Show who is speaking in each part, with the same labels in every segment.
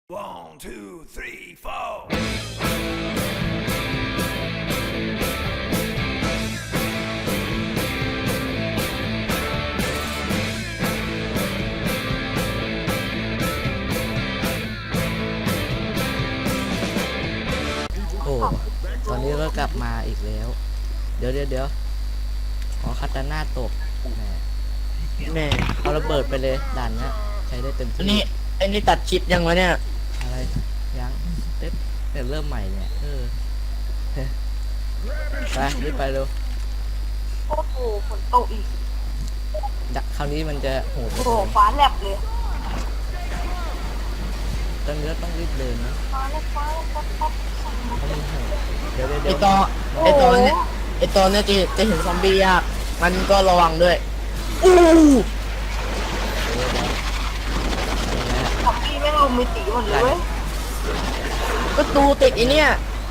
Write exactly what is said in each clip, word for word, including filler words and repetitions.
Speaker 1: One, two, three, four.
Speaker 2: โอ้ตอนนี้ก็กลับมาอีกแล้ว เดี๋ยวเดี๋ยวเดี๋ยวขอคัตตาน่าตกแหม
Speaker 3: แม่
Speaker 2: เอาระเบิดไปเลยด่านเนี้ยใช้ได้เต็ม
Speaker 3: อัน
Speaker 2: ที่
Speaker 3: นี้ไอ้นี่ตัดคลิปยังวะเนี่ย
Speaker 2: อะไรยังเต็มเนี่ยเริ่มใหม่เนี่ยเออไปรีบไปเร็ว
Speaker 4: โอ้โหฝนตกอีก
Speaker 2: ดักคราวนี้มันจะโหด
Speaker 4: โอ้โหฟ้าแลบเลย
Speaker 2: ตอนนี้ต้องรีบเดินนะ
Speaker 4: ฟ้าแลบฟ้าแลบฟ้าแลบ
Speaker 2: เพราะมันโหดเดี๋ยวเดี๋ยว
Speaker 3: ไอ
Speaker 2: เดี๋ยว
Speaker 3: ตอนไอตอนเนี้ยไอตอนเนี้ยจะจะเห็นซอมบี้ยากมันก็ระวังด้วยอู้
Speaker 2: เดี๋ยวเดี๋ยวอะไรนะ
Speaker 4: ซอมบี้แม่งลุมมิติหมดเลยเว้ย
Speaker 3: ประตูติดไอเนี้ย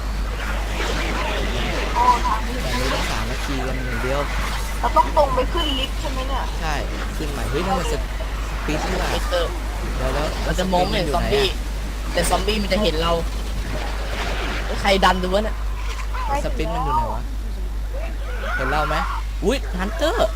Speaker 4: โอ้ทางนี้
Speaker 2: ตอนนี้ต้องสามนาทีกันอย่างเดียว
Speaker 4: เราต้องตรงไปขึ้นลิฟต์ใช่ไหมเนี่ย
Speaker 2: ใช่ขึ้นใหม่เฮ้ยนั่นมันสปีดที่ว่า
Speaker 3: ไอเตอร์
Speaker 2: เดี๋ยวแล้ว
Speaker 3: มันจะมองไม่เห็นซอมบี้แต่ซอมบี้มันจะเห็นเราใครดันดูวะเนี่ย
Speaker 2: สปินมันอยู่ไหนวะเห็นเราไหมอุ้ยฮันเตอร์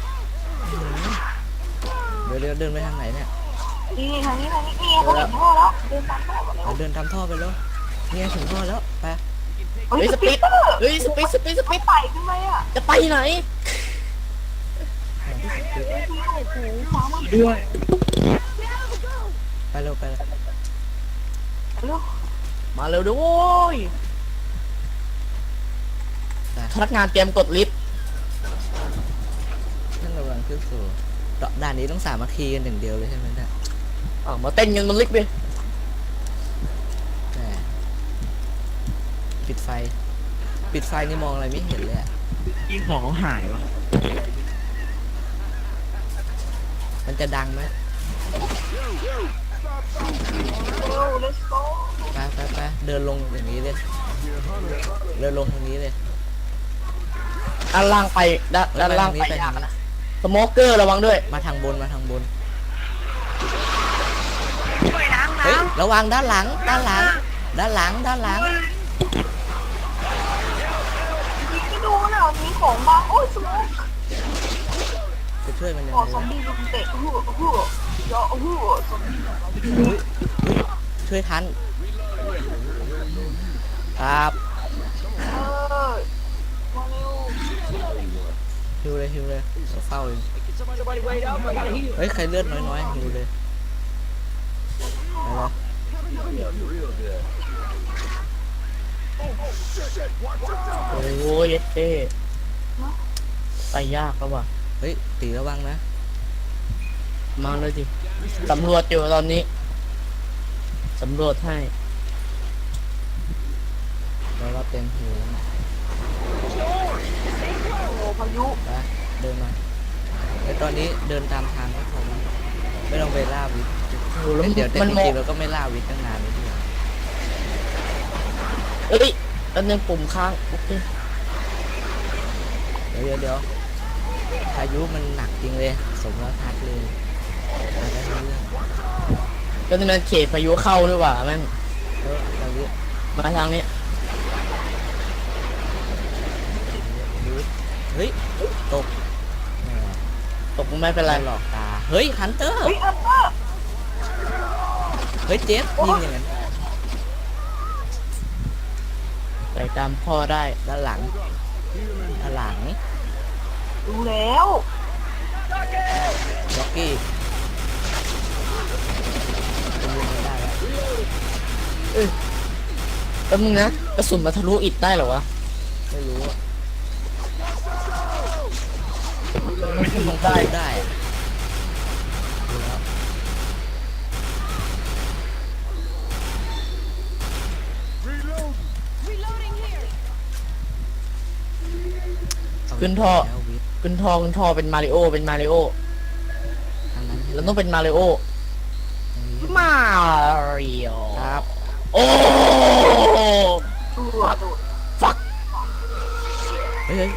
Speaker 2: เดี๋ยวเดี๋ยวเดินไปทางไหนเนี่ย
Speaker 4: นี่ทางนี้ทางนี้นี่เขาเห็นท่อแล้วเดินตามท่อมาแล้ว
Speaker 2: เราเดินตามท่อไปแล้วเนี่ยถึงท่อแล้วไป
Speaker 4: เฮ้ย
Speaker 3: เฮ้ย
Speaker 4: ส
Speaker 3: ส
Speaker 4: ปี
Speaker 3: ปี
Speaker 4: ด
Speaker 3: ดเฮ้ยสปีดสปีดสปี
Speaker 4: ไม่
Speaker 3: ด
Speaker 4: ไต่ขึ้นไหมอ่ะ
Speaker 3: จะไปไหน
Speaker 4: เฮ้ยพี่โอ้โหฟ้ามัน
Speaker 3: ด้วย
Speaker 2: ไปเร็วไปเร็ว
Speaker 4: เร็ว
Speaker 3: มาเร็วด้วยพนักงานเตรียมกดลิฟต์
Speaker 2: นั่นระวังขึ้นสู่ด่านนี้ต้องสามัคคีกันอย่างเดียวเลยใช่ไหมเนี่ย
Speaker 3: อ่ามาเต้นกันบนลิฟต์ดิ
Speaker 2: แหมปิดไฟ ปิดไฟนี่มองอะไรไม่เห็นเลยอะ
Speaker 3: ยิงของหายวะ
Speaker 2: มันจะดังไหม
Speaker 4: เร็ว let's go
Speaker 2: ไปไปไปเดินลงอย่างนี้เลยเดินลงทางนี้เลย
Speaker 3: ด้านล่างไปด้านด้านล่างไปยากนะสโมเกอร์ระวังด้วย
Speaker 2: มาทางบนมาทางบน
Speaker 4: ไปล้าง
Speaker 2: เฮ้ย
Speaker 4: น้ำ
Speaker 2: ระวังด้านหลังด้านหลัง ด้านหลังด้านหลัง
Speaker 4: ยิงไม่ดูนะมีของบ้างโอ้ยสมอง
Speaker 2: จะช่วยมันยัง
Speaker 4: ขอ
Speaker 2: ไง
Speaker 4: ซอม
Speaker 2: วะ
Speaker 4: บี้ลุมเตะฮู้ฮู้ยอฮู้ซอมบี้
Speaker 2: อุ๊ยอุ๊ยช่วยทันครับ
Speaker 4: เออมาเร็ว
Speaker 2: ฮิวเลยฮิวเลยเราเฝ้าเองเฮ้ยใครเลือดน้อยๆฮิวเลยไปเลย
Speaker 3: โอ้ยเท่ไปยากแล้วว่ะ
Speaker 2: เฮ้ยตีระวังนะ
Speaker 3: มาเลยดิสำรวจอยู่ตอนนี้สำรวจให้
Speaker 2: เรารับเต็มฮิวแล้วนะ
Speaker 4: โอ้พายุ
Speaker 2: ไปเดินมาไอตอนนี้เดินตามทางก็พอมั้งไม่ต้องไปล่าวิทย์
Speaker 3: โอ้แล้ว
Speaker 2: เอ้ยเดี๋ยวแต่
Speaker 3: มัน
Speaker 2: จ
Speaker 3: มอ
Speaker 2: ริ
Speaker 3: ง
Speaker 2: งๆเราก็ไม่ล่าวิทย์ตั้งนานเลยที่
Speaker 3: เอ้ยอันนึงปุ่มค้างโอเค
Speaker 2: เดี๋ยวเดี๋ยวเดี๋ยวพายุมันหนักจริงเลยสมแล้วทัดเลยไปได้เรื่อง
Speaker 3: ก็นี่มันเขตพายุเข้าด้วยว่ะแม่ง
Speaker 2: เออเราเรียก
Speaker 3: มาทางนี้
Speaker 2: เฮ้ยตกแหม
Speaker 3: ตกไม่เป็นไร
Speaker 2: หลอกตาเฮ้ยฮันเตอร์
Speaker 4: เฮ้ยอันเตอร์
Speaker 2: เฮ้ยเจฟยิงอย่างนั้น
Speaker 3: ใส่ตามพ่อได้
Speaker 2: ด้านหลังด้านหลัง
Speaker 4: ดูแล้ว
Speaker 2: ล็อกกี้เป็นยิงไม่ได้แล้ว
Speaker 3: แป๊บนึงนะกระสุนมาทะลุอิฐได้เหรอวะ
Speaker 2: ไม่รู้อะ
Speaker 3: มันทะลุได้
Speaker 2: ได้ได้อะดูแล้วเา
Speaker 3: ขึ้นท่อ
Speaker 2: แล้ววิทย์
Speaker 3: ขึ้นทอขึ้นทอเป็นมาริโอเป็นมาริโอ
Speaker 2: ทางนั้น
Speaker 3: เราต้องเป็นมาริโอ
Speaker 2: ทางนี้
Speaker 3: มาริโอ
Speaker 2: ครับ
Speaker 3: โอ้
Speaker 4: ตัวโดด
Speaker 3: ฟัก
Speaker 2: เฮ้ยเฮ้ย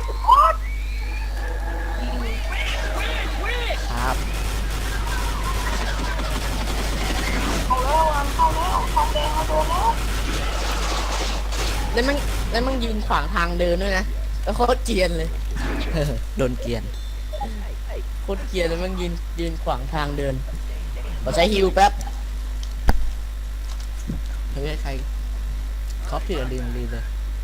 Speaker 2: ครับ
Speaker 4: เข้าแล้วอันเข้าแล้วทองแดง
Speaker 3: แล้วมันแล้วมันยืนขวางทางเดินด้วยนะแล้วโคตรเกรียนเลย
Speaker 2: โดนเกลียน
Speaker 3: โคตรเกรียนแล้วมันยืนยืนขวางทางเดินขอใช้ฮิวแป๊บ
Speaker 2: เฮ้ยใครครอปที่อะดรีนาลีนเลย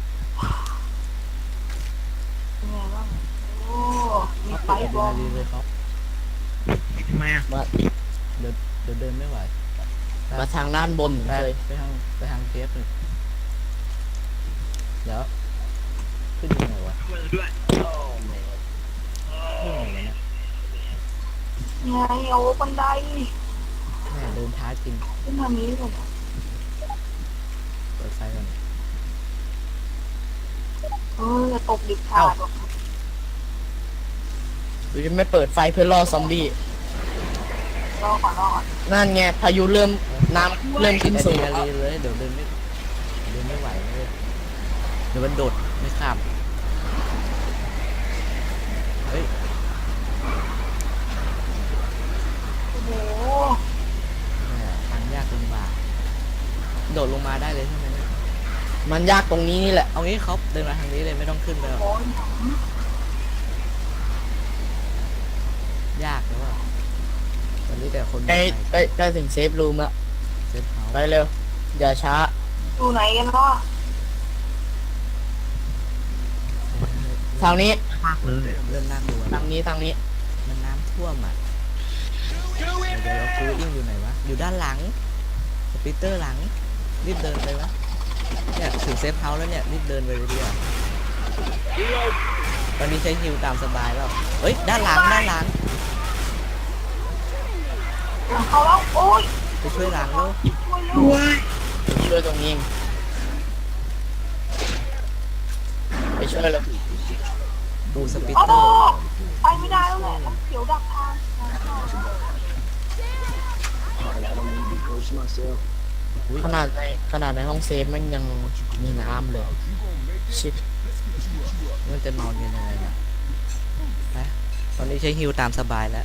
Speaker 4: เป็นไงบ้างโอ้มี
Speaker 2: ครอป
Speaker 4: ไฟ
Speaker 2: ที่อะด
Speaker 4: บ
Speaker 2: รี
Speaker 4: อม
Speaker 2: นาลีนเลยครับ
Speaker 5: ทำไมอ่ะ
Speaker 3: มา
Speaker 2: เดี๋ยวเดี๋ยวเดินไม่ไหว
Speaker 3: มาทางด้านบน
Speaker 2: ไป
Speaker 3: เลย
Speaker 2: ไปทางไปทางเทปเลยเดี๋ยวขึ้นยังไงวะ
Speaker 5: มือด้วย
Speaker 2: ขึ้นยังไงวะเนี่ย
Speaker 4: ไงเอาบันได
Speaker 2: แม่เดินท้าจริง
Speaker 4: ขึ้นทางนี้ก่อน
Speaker 2: เปิดไฟก่อน
Speaker 4: เออจะตกดิบขาดหรอก
Speaker 3: หรือจะไม่เปิดไฟเพื่อล่อซอมบี้
Speaker 4: รอก่อนรอก่อน
Speaker 3: นั่นไงพายุเริ่มน้ำเริ่มขึ้น
Speaker 2: อะด
Speaker 3: สู
Speaker 2: รี
Speaker 3: ง
Speaker 2: นาลีนเลยเดี๋ยวเดินไม่เดินไม่ไหวเลยเดี๋ยวมันโดดไม่ข้ามเฮ้ย
Speaker 4: โอ้โห
Speaker 2: แม่ทางยากลำบากโดดลงมาได้เลยใช่ไหมเนี่ย
Speaker 3: มันยากตรงนี้นี่แหละ
Speaker 2: เอางี้เขาเดินมาทางนี้เลยไม่ต้องขึ้นไปหรอก
Speaker 4: โอ้ย
Speaker 2: ยากแล้วว่าตอนนี้แต่คน
Speaker 3: ใกล้
Speaker 2: ไป
Speaker 3: ใกล้ใกล้ถึงเซฟรูมแล้ว
Speaker 2: เซฟเฮาส์
Speaker 3: ไปเร็ว อย่าช้า
Speaker 4: อยู่ไหนกันวะ
Speaker 3: ทางนี้
Speaker 5: มากเลย
Speaker 2: เริ่มน่ากลัว
Speaker 3: ทางนี้ทางนี้
Speaker 2: มันน้ำท่วมอ่ะเดี๋ยวเดี๋ยวคูอิงอยู่ไหนวะอยู่ด้านหลังสปีเตอร์หลังรีบเดินไปวะเนี่ยถึงเซฟเฮาส์แล้วเนี่ยรีบเดินไปเลยดีกว่าตอนนี้ใช้ฮิวตามสบายแล้วเฮ้ยด้านหลังด้านหลัง
Speaker 4: หลังเขาแล้วโอ้ย
Speaker 2: ไปช่วยหลังแล้ว
Speaker 4: ช่วยเลย
Speaker 3: ช่วยตรงนี้เองไปช่วยเลย
Speaker 2: ดูสปี
Speaker 4: โอ้
Speaker 2: เตอร์
Speaker 4: ไปไม่ได้แล้วแหละน้ำเขียวดักทาง
Speaker 2: อุ๊ย
Speaker 3: ขนาดในขนาดในห้องเซฟมันยังมีน้ำเลยชิด
Speaker 2: มันจะนอนกันยังไงเนี่ยไปตอนนี้ใช้ฮิวตามสบายแล้ว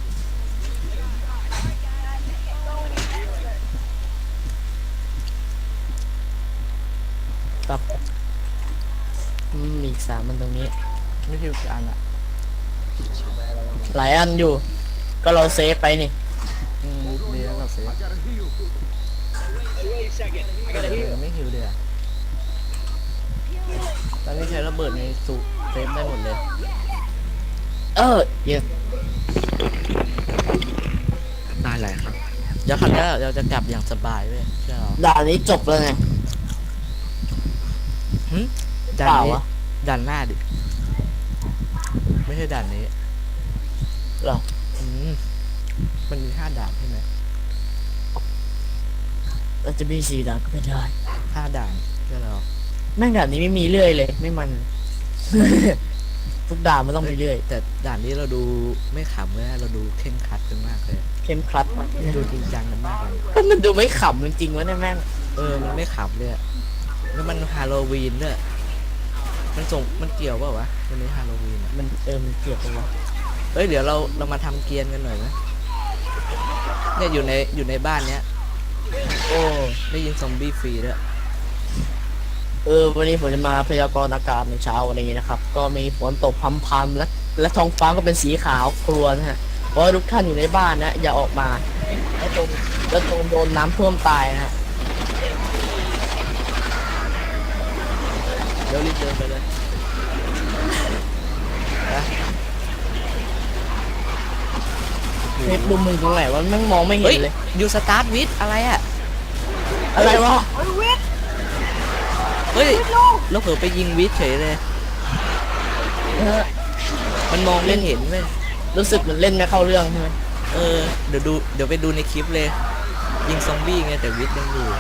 Speaker 3: ตับอืมมีอีกสามมันตรงนี้
Speaker 2: ไม่ฮิวกี่อันอ่ะ
Speaker 3: หลายอันอยู่ ก็เราเซฟไปนี่
Speaker 2: อืมดีแล้วเราเซฟเออไม่ฮิวเลยอะตอนนี้ใช้ระเบิดในสูเซฟได้หมดเลย
Speaker 3: เออเยอะ
Speaker 5: ได้หลายครั้ง
Speaker 2: เดี๋ยวครั้งหน้าเราจะกลับอย่างสบายเว้ยเชื่อเรา
Speaker 3: ด่านนี้จบแล้วไง
Speaker 2: หึด่าน
Speaker 3: เปล่า
Speaker 2: นี้
Speaker 3: วะ
Speaker 2: ด่านหน้าดิ ไม่ใช่ด่านนี้
Speaker 3: เหรอ
Speaker 2: อืมมันมีห้าด่านใช่ไหม
Speaker 3: เราจะมีสี่ด่านก็ไม่ได้
Speaker 2: ห้าด่านเชื่อเรา
Speaker 3: แม่งด่านนี้ไม่มีเรื่อยเลย ไม่มัน ทุกด่านมันต้องมีเรื่อย
Speaker 2: แต่ด่านนี้เราดูไม่ขำเลยนะเราดูเข่งครัดกันมากเลย
Speaker 3: เข้มครัด
Speaker 2: ดูจริงจังกันมากเลย
Speaker 3: มันดูไม่ขำจริงๆวะเนี่ยแม่ง
Speaker 2: เออ มันไม่ขำเลยอะแล้วมันฮาโลวีนด้วยมันส่งมันเกี่ยวเปล่าวะวันนี้ฮาโลวีนอะ
Speaker 3: มันเออมันเกี่ยวกันวะ
Speaker 2: เฮ้ยเดี๋ยวเราเรามาทำเกียร์กันหน่อยไหมเนี่ยอยู่ในอยู่ในบ้านเนี้ย
Speaker 3: โอ้
Speaker 2: ได้ยินซอมบี้ฟรีด้วย
Speaker 3: เออวันนี้ผมจะมาพยากรณ์อากาศในเช้าวันนี้นะครับ ก็มีฝนตกพรำๆและและท้องฟ้าก็เป็นสีขาวครวญนะฮะเพราะว่าทุกท่านอยู่ในบ้านนะอย่าออกมาแล้วตรงแล้วตรงโดนน้ำท่วมตายนะฮะ
Speaker 2: เดี๋ยวรีบเดินไปเลยนะ
Speaker 3: เทปดูมึงตรงไหนวะแม่งมองไม่เห็
Speaker 2: เฮ้ย
Speaker 3: นเลย
Speaker 2: อยู่สตาร์ทวิทอะไรอะ
Speaker 3: อะไรวะ
Speaker 4: เฮ้ยวิทย์
Speaker 2: เฮ้ย
Speaker 4: วิทย์ลูก
Speaker 2: แล้วเผลอไปยิงวิทเฉยเลย
Speaker 3: เออ
Speaker 2: มันมองไม่เห็นเว้ย
Speaker 3: รู้สึกเหมือนเล่นไม่เข้าเรื่องใช่ไหม
Speaker 2: เออเดี๋ยวดูเดี๋ยวไปดูในคลิปเลย ยิงซอมบี้ไงแต่วิทยังอยู่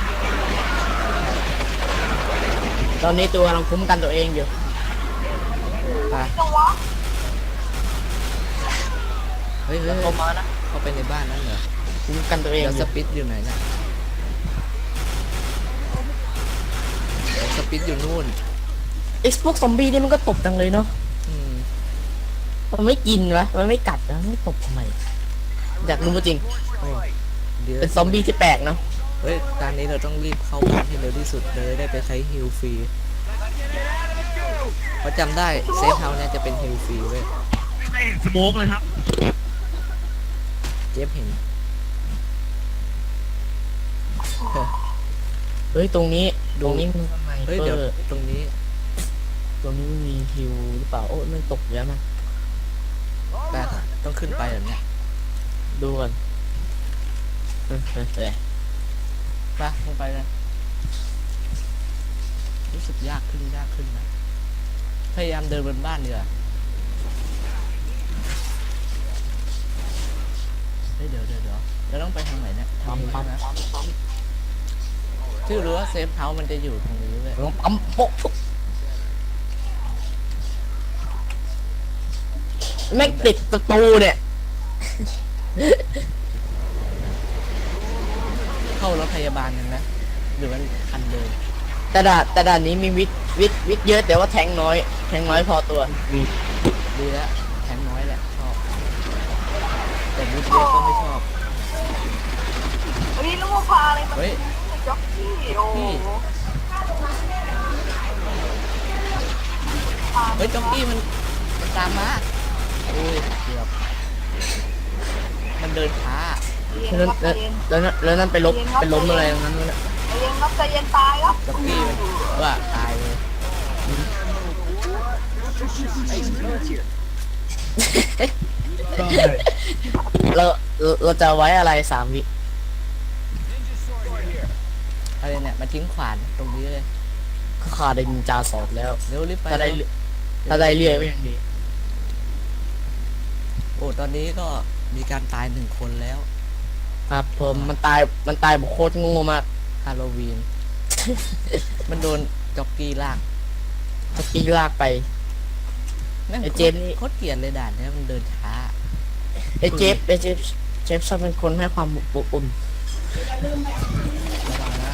Speaker 3: ตอนนี้ตัวกำลังคุ้มกันตัวเองอยู่
Speaker 2: ไป
Speaker 4: จังวะ
Speaker 2: เฮ้ยเฮ้ย
Speaker 3: เข้ามานะ
Speaker 2: เข้าไปในบ้านนั้นเหรอ
Speaker 3: คุ้มกันตัวเอง
Speaker 2: เดี๋ยว
Speaker 3: อ
Speaker 2: ส
Speaker 3: ยู่
Speaker 2: ปิดอยู่ไหนเนี่ยเดี๋ยวสปิดอยู่นู่น
Speaker 3: ไอ้พวกซอมบี้นี่มันก็ตบจังเลยเนาะ
Speaker 2: อืม
Speaker 3: มันไม่กินวะมันไม่กัดนะมันไม่ตบทำไมอยากรู้จริง
Speaker 2: โอ้เดี๋ยว
Speaker 3: เป็นซอมบี้ที่แปลกเนาะ
Speaker 2: เฮ้ยตอนนี้เราต้องรีบเข้าบ้านให้เร็วที่สุดเลยได้ไปใช้ฮิลฟรีเพราะจำได้เซฟเฮาส์เนี่ยจะเป็นฮิลฟรีเว้ย
Speaker 5: ไม่เห็นสโมกเลยครับ
Speaker 2: เจฟเห็น
Speaker 3: เฮ้ยตรงนี้ตรงนี้มันทำไม
Speaker 2: เฮ้ย
Speaker 3: เปิ
Speaker 2: เดี๋ยว
Speaker 3: ด
Speaker 2: ตรงนี้
Speaker 3: ตรงนี้มันมีฮิวหรือเปล่าโอ้ยมันตกเยอะมาก
Speaker 2: แป๊บต้องขึ้นไปแบบเนี้ย
Speaker 3: ดูก่อนเฮ้ยเฮ้ยเฮ้ย
Speaker 2: ไปลงไปเลยรู้สึกยากขึ้นยากขึ้นนะพยายามเดินบนบ้านดีกว่าเฮ้ยเดี๋ยวเดี๋ยวเดี๋ยวเราต้องไปทางไหนเนี่ยทาง
Speaker 3: ปั๊ม
Speaker 2: นี้
Speaker 3: ปั๊ม
Speaker 2: ใช่ไหม
Speaker 3: ปั๊มปั๊ม
Speaker 2: ชื่อรู้ว่าเซฟเฮาส์มันจะอยู่ตรงนี้เลย
Speaker 3: ลองปั๊มโป๊ะแม่งติดประตูเนี่ย
Speaker 2: เข้ารถพยาบาลกันนะหรือมันคันเดิม
Speaker 3: แต่ด่านแต่ด่านนี้มีวิทวิทวิทเยอะแต่ว่าแทงน้อย แทงน้อยพอตัว
Speaker 2: ดีแล้วแทงน้อยแหละชอบ แต่บูทเยอะก็ไม่ชอบ
Speaker 4: เฮ้ยลูกพาอะไรมา
Speaker 2: เฮ้ย
Speaker 4: จ็อกกี้โอ้โห
Speaker 2: เฮ้ยจ็อกกี้มันมันตามมาอุ้ยเกือบมันเดินช้า
Speaker 4: เย็น
Speaker 3: แล้ว
Speaker 4: ครับใจ
Speaker 3: แล้ว
Speaker 4: เย็น
Speaker 3: แล้วแล้วนั่นไปลบไปล้มอะไรตรงนั้นวะเนี่ย
Speaker 4: ใจเย็นครับใจเย็นตายครับ
Speaker 2: จ็อกกี้มันว่าตายเลย
Speaker 3: เราเราเราจะไว้อะไรสามวิ
Speaker 2: อะไรเนี่ยมาทิ้งขวานตรงนี้เลย
Speaker 3: ก็ขาดได้นินจาสอบแล้ว
Speaker 2: เร็วรีบไป
Speaker 3: ถ้าได้
Speaker 2: เร็ว
Speaker 3: ถ้าได้เรื่อยก็ยังดี
Speaker 2: โอ้ตอนนี้ก็มีการตายหนึ่งคนแล้ว
Speaker 3: ครับผมมันตายมันตายแบบโคตรโง่มาก
Speaker 2: ฮาโลวีน มันโดนจ็อกกี้ลาก
Speaker 3: ตะกี้ลากไป
Speaker 2: แม่ง
Speaker 3: ไอ้เจมส์นี่
Speaker 2: โคตรเกลียดเลยด่านเนี้ยมันเดินช้า
Speaker 3: ไอ้เจฟไอ้เจฟเจฟชอบเป็นคนให้ความอบอุ่น
Speaker 2: ระวังนะ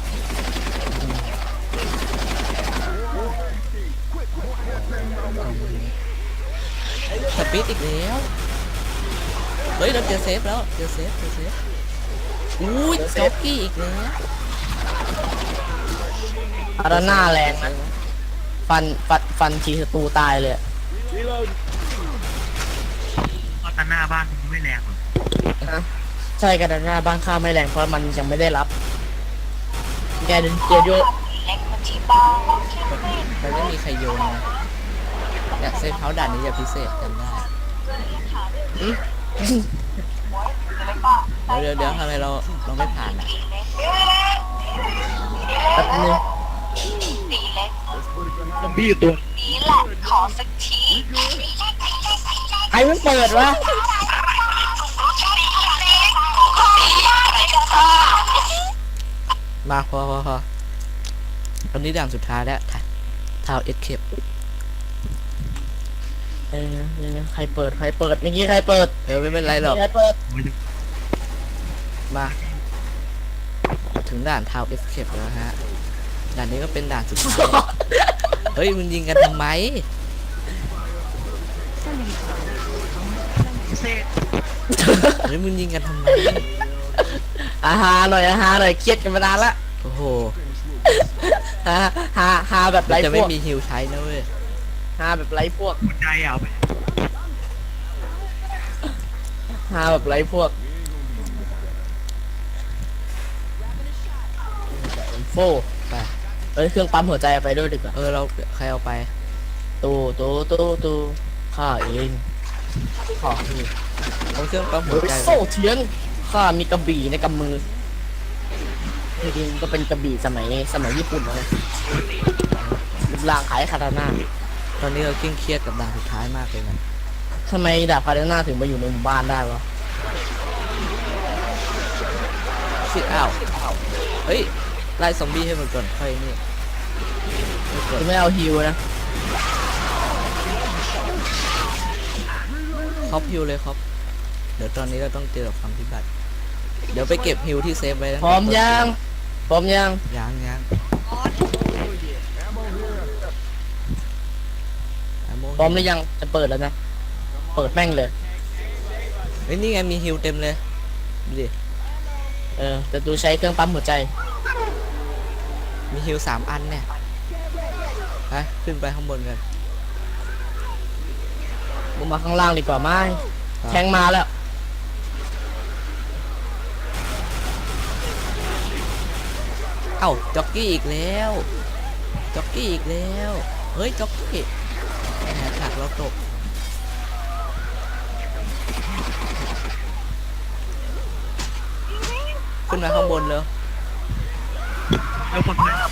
Speaker 2: สปีดอีกแล้ว เฮ้ยเราเจอเซฟแล้วเจอเซฟเจอเซฟอุ้ยจ็อกกี้อีกแล้ว
Speaker 3: อาราน่าแรงนะฟันฟันฟันทีศัตรูตายเลย
Speaker 5: เพราะตาหน้าบ้านมันไม่แรงหรอก
Speaker 3: นะใช่กันอาราน่าบ้านข้าไม่แรงเพราะมันยังไม่ได้รับแกเดินเจโย
Speaker 4: เล็กมันชีตาเราเชื่อไม่
Speaker 2: มันไม่มีใครโยนนะเนี่ยเซฟเฮาส์ด่านนี้จะพิเศษกันได้ เดี๋ยวเดี๋ยวเดี๋ยวทำไมเราเราไม่ผ่านอ่ะ
Speaker 3: แป๊บนึง
Speaker 4: ตีเล็ก
Speaker 5: ซอมบี้อยู่ตัว
Speaker 4: นี่แหละขอสักที
Speaker 3: ใครมันเปิดวะ
Speaker 2: มาพอพอพอตอนนี้ด่านสุดท้ายแล้วทาวเอ็ดเคป
Speaker 3: เออยังไงใครเปิดใครเปิดเมื่อกี้ใครเปิด
Speaker 2: เออไม่เป็นไรหรอก
Speaker 3: ใครเปิด
Speaker 2: มาถึงด่านทาวเอ็ดเคปแล้วฮะด่านนี้ก็เป็นด่านสุดท้าย เฮ้ยมึงยิงกันทำไม
Speaker 5: เซ่
Speaker 2: เฮ้ยมึงยิงกันทำไม
Speaker 3: อาฮาหน่อยอาฮาหน่อยเครียดกันมานานละ
Speaker 2: โอ้โห
Speaker 3: ฮาฮาฮาแบบ
Speaker 2: มั
Speaker 3: ไร้
Speaker 2: นจะ
Speaker 3: พ
Speaker 2: ไม่
Speaker 3: วก
Speaker 2: มีฮิวใช้นะเว้ย
Speaker 3: ฮาแบบไร้พวก
Speaker 5: หัวใจเอาไป
Speaker 3: ฮาแบบไร้พวกโฟ
Speaker 2: ไป
Speaker 3: เอ้ยเครื่องปั๊มหัวใจเอาไปด้วยดีกว่า
Speaker 2: เออเราใครเอาไป
Speaker 3: ตูตูตูตูข้าเองข้าเอง
Speaker 2: เอาเครื่องปั๊มหั
Speaker 3: เฮ้
Speaker 2: วย ใจไป
Speaker 3: โซ่เทียนข้ามีกระบี่ในกำมือจริงๆก็เป็นกระบี่สมัยสมัยญี่ปุ่นนะรูปร่างคล้ายคาตาน่า
Speaker 2: ตอนนี้เราเคร่งเครียดกับด่านสุดท้ายมากเลยนะ
Speaker 3: ทำไมดาบคาตาน่าถึงมาอยู่ในหมู่บ้านได้วะ
Speaker 2: ชิดอ้าวเฮ้ยไล่ซอมบี้ให้มันก่อนค่อยนี่ไม่กด
Speaker 3: จะไม่เอาฮิวนะ
Speaker 2: ครอบฮิวเลยครับ เดี๋ยวตอนนี้เราต้องเจอกับความพิบัติ เดี๋ยวไปเก็บฮิวที่เซฟไว้นะ
Speaker 3: พร้อมยังพร้อมยัง
Speaker 2: ยังยัง
Speaker 3: พร้อมหรือยังจะเปิดแล้วนะเปิดแม่งเลย
Speaker 2: เฮ้ยนี่ไงมีฮิวเต็มเลยดูดิ
Speaker 3: เออแต่ดูใช้เครื่องปั๊มหัวใจ
Speaker 2: มีฮิวสามอันเนี่ยไปขึ้นไปข้างบนกัน
Speaker 3: ลงมาข้างล่างดีกว่าไหม
Speaker 2: ครับ
Speaker 3: แทงมาแล้ว
Speaker 2: เอ้าจ็อกกี้อีกแล้วจ็อกกี้อีกแล้วเฮ้ยจ็อกกี้แหมฉากเราตกขึ้นมาข้างบนเลย
Speaker 5: แล้วคนนั้น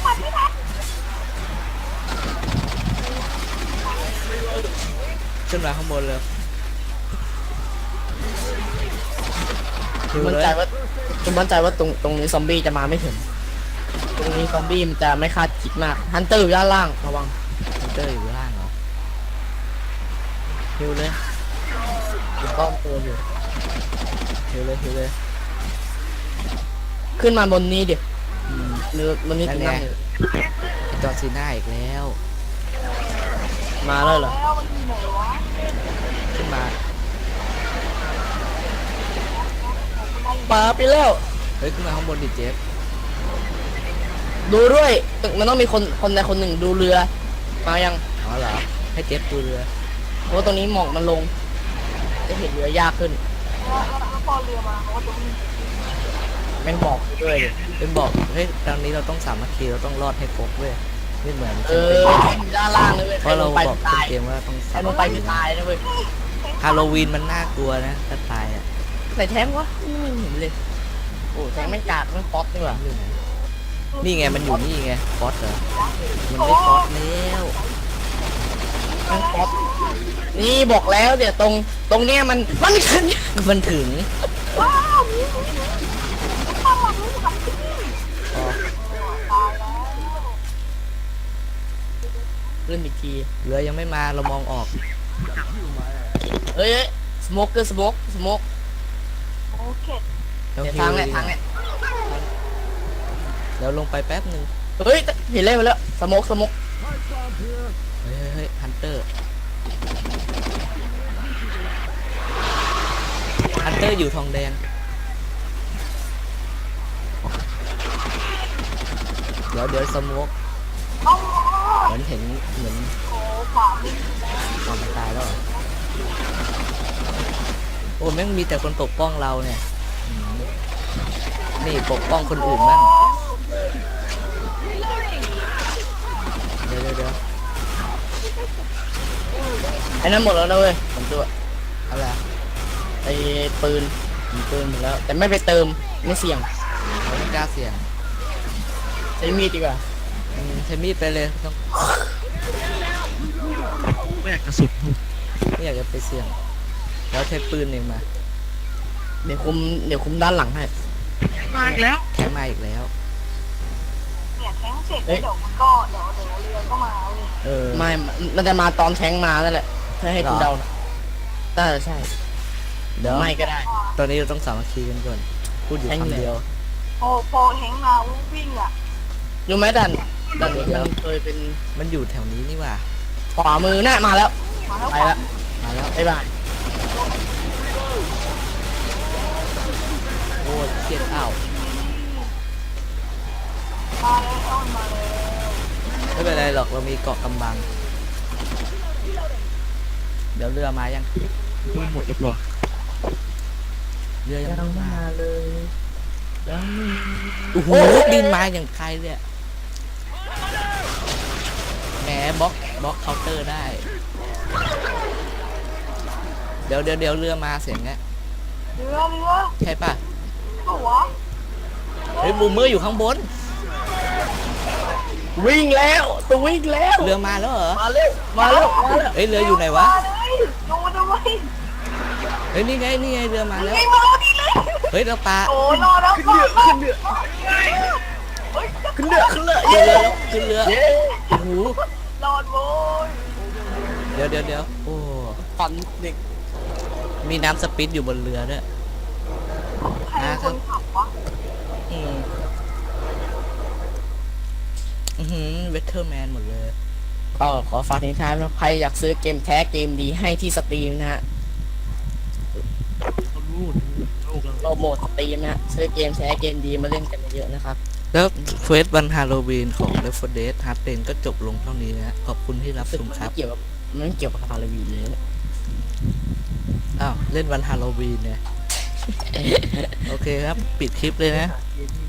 Speaker 2: ขึ้นมาข้างบนเลยดู
Speaker 3: มั่น
Speaker 2: เลย
Speaker 3: ใจว่าคุณมั่นใจว่าตรงตรงนี้ซอมบี้จะมาไม่ถึง ตรงนี้ซอมบี้มันจะไม่คาดคิดมากฮันเตอร์อยู่ด้านล่างระวัง
Speaker 2: ฮันเตอร์อยู่ล่างเหรอฮิวเลย
Speaker 3: อยู่ป้อมตัวอยู่
Speaker 2: ฮิวเลยฮิวเลย
Speaker 3: ขึ้นมาบนนี้ดิ
Speaker 2: อืม
Speaker 3: หรือบนนี้
Speaker 2: นั่
Speaker 3: ถึ
Speaker 2: น
Speaker 3: ง
Speaker 2: ไง
Speaker 3: นั่งอยู่
Speaker 2: จอร์ซีน่าอีกแล้ว
Speaker 3: มาแล้วเหรอ
Speaker 4: แล้วมันอยู่ไหนวะ
Speaker 2: ขึ้นมา
Speaker 3: ปาไปแล้ว
Speaker 2: เฮ้ยขึ้นมาข้างบนดิเจฟ
Speaker 3: ดูด้วยมันต้องมีคนคนใดคนหนึ่งดูเรือมายัง
Speaker 2: อ๋อเหรอให้เจฟดูเรือ
Speaker 3: เพราะว่าตรงนี้หมอกมันลง จะเห็นเรือยากขึ้น
Speaker 4: แล้วแล้วพอเรือมาเขาก็จะวิ่ง
Speaker 3: แม่งหมอกด้วยดิ
Speaker 2: เป็นบอกเฮ้ยตอนนี้เราต้องสามัคคีเราต้องรอดให้ครบเว้ยไม่เหมือน
Speaker 3: เอ
Speaker 2: แคมเปญ
Speaker 3: ออยู่ด้านล่างเลยเว้ย
Speaker 2: เพ
Speaker 3: ใคร
Speaker 2: ราะ
Speaker 3: ล
Speaker 2: เรา
Speaker 3: งไป
Speaker 2: บอก
Speaker 3: ตาย
Speaker 2: เกมว่าต้อง
Speaker 3: ใคร
Speaker 2: สา
Speaker 3: ล
Speaker 2: มั
Speaker 3: ง
Speaker 2: ค
Speaker 3: ไป
Speaker 2: คี
Speaker 3: คือตายนะเว้ย
Speaker 2: ฮาโลวีนมันน่ากลัวนะถ้าตายอ่ะ
Speaker 3: ใส่แท้งวะไม่เห็นเลย โอ้แท้งไม่งกากไม่งป๊อตนี่หว่า
Speaker 2: อยู่ไหนนี่ไงมันอยู่นี่ไงฟอสเหรอมันไม่ฟอสแล้ว
Speaker 3: แม่งป๊อตนี่บอกแล้วเดี๋ยวตรงตรงเนี้ยมันมันขึ้น
Speaker 2: มันถึง
Speaker 4: ว้าวมีมีมีข้างหลังนี่หลังที่นี่
Speaker 2: พอ
Speaker 4: ตายแล้ว
Speaker 3: ขึ้นอีกที
Speaker 2: เรือยังไม่มาเรามองออก
Speaker 3: เฮ้ยสโมกเกอร์สโมกสโมก
Speaker 4: โอเค
Speaker 2: ต้อง
Speaker 3: เดี๋ยว
Speaker 2: ฮิ
Speaker 3: ทาง
Speaker 2: ว
Speaker 3: แหละทางแหละ
Speaker 2: เดี๋ยวลงไปแป๊บหนึ่ง
Speaker 3: เฮ้ยเห็นเลยมาแล้วสโมกสโมก
Speaker 2: เฮ้ยเฮ้ยฮันเตอร์ฮันเตอร์อยู่ทองแดงเดี๋ยวเดี๋ยวสโมก
Speaker 4: เอา
Speaker 2: เหมือนเห็นเหมือน
Speaker 4: โอ้ขวาวิ่ง
Speaker 2: ความนตายแล้วเหรอโอ้แม่งมีแต่คนปกป้องเราเนี่ยอืมนี่ปกป้องคนอื่นบ้างเดี๋ยวเดี๋ยวเดี๋ยว
Speaker 3: ไอ้นั่นหมดแล้วนะเว้ยผมตัว
Speaker 2: อะไรอะ
Speaker 3: ไอ้ปืนมีปืนหมดแล้ว แต่ไม่ไปเติมไม่เสี่ยง
Speaker 2: เราไม่กล้าเสี่ยง
Speaker 3: ใช้มีดดีกว่า
Speaker 2: อืมใช้มีดไปเลยต้อง
Speaker 5: ไม่อยากกระสุน
Speaker 2: ไม่อยากจะไปเสี่ยง แล้วใช้ปืนเองมา
Speaker 3: เดี๋ยวคุมเดี๋ยวคุมด้านหลังให้
Speaker 5: มาอีกแล้ว
Speaker 2: แค่มาอีกแล้ว
Speaker 4: เนี่ยแทงเสร็จแล้วเดี๋ยวมันก็เดี๋ยวเดี๋ยวเรือก็มาเว้ย
Speaker 2: เออ
Speaker 3: ไม่ มันจะมาตอนแทงมานั่นแหละถ้าให้คุณ
Speaker 2: เหรอ
Speaker 3: เดานะน่าจะใช่
Speaker 2: เดี๋ยว
Speaker 3: ไม่ก็ได้
Speaker 2: ตอนนี้เราต้องสามัคคีกันก่อน พูดอยู่
Speaker 3: แทง
Speaker 2: คำเดียว
Speaker 4: พอพอแทงมาวิ่งอ่ะ
Speaker 3: รู้ไหมดันดันนี้มันเคยเป็น
Speaker 2: มันอยู่แถวนี้นี่หว่า
Speaker 3: ขวามือน่ะมาแล้ว
Speaker 4: มาแล้ว
Speaker 3: ไปแล้ว
Speaker 2: มาแล้ว
Speaker 3: บ๊ายบาย
Speaker 2: โอ้ยเครียดอ้าว
Speaker 4: มาแล้วมาแล้ว
Speaker 2: ไม่เป็นไรหรอกเรามีเกาะกำบัง เดี๋ยวเรือมายัง
Speaker 5: ดูหมดเรียบร้อย
Speaker 2: เรือยัง
Speaker 3: ยัง
Speaker 2: ไม่
Speaker 3: มา
Speaker 2: มา
Speaker 3: เลยยัง
Speaker 2: โอ้โหบินมาอย่างไกลเลยอะแหมบล็อกบล็อกเคาน์เตอร์ได้ เดี๋ยวเดี๋ยวเดี๋ยวเรือมาเสียงเงี้ย
Speaker 4: เรือเรือ
Speaker 2: ใช่ป่ะ
Speaker 4: ตัว
Speaker 2: เฮ้ยบูมเมอร์อยู่ข้างบน
Speaker 3: วิ่งแล้วตัววิ่งแล้ว
Speaker 2: เรือมาแล้วเหรอ
Speaker 3: มาเร็วมาเร็วมาเร็ว
Speaker 2: เฮ้ยเรืออยู่ไหนวะ
Speaker 4: มาเลยดูด้วย
Speaker 2: เฮ้ยนี่ไงนี่ไงเรือมาแล้ว
Speaker 4: ไงมาแล้วดีเลย
Speaker 2: เฮ้ยเราปลา
Speaker 4: โอ้รอแล้ว
Speaker 3: ขึ้นเรือขึ้นเรือ
Speaker 4: เฮ้ย
Speaker 3: ขึ้นเรือขึ้นเรือ
Speaker 2: ขึ้น
Speaker 3: เย้
Speaker 2: เรือแล้วขึ้นเรือ
Speaker 3: เย้
Speaker 2: โอ้โห
Speaker 4: รอดโว้ย
Speaker 2: เดี๋ยวเดี๋ยวเดี๋ยวโอ้
Speaker 3: ฝันเด็ก
Speaker 2: มีน้ำสปิดอยู่บนเรือด้วย
Speaker 4: ใครเป็นคนขับวะ
Speaker 2: อืมอือหือเวทเทอร์แมนหมดเลย
Speaker 3: ก็ขอฝากทิ้งท้ายนะใครอยากซื้อเกมแท้เกมดีให้ที่สตรีมนะฮะ
Speaker 5: เขารู้ลูกเรา
Speaker 3: โปรโมทสตรีมนะฮะซื้อเกมแท้เกมดีมาเล่นกันเยอะๆนะครับ
Speaker 2: แล้วเควสวันฮาโลวีนของ Left โฟร์ Dead Hard Rain ก็จบลงเท่านี้นะขอบคุณที่รับชมครับ
Speaker 3: เกี่ยวกับมันเกี่ยวกับฮาโลวีนเลยนะ
Speaker 2: อ้าว เล่นวันฮาโลวีนเนี่ย โอเคครับ ปิดคลิปเลยนะ
Speaker 3: เ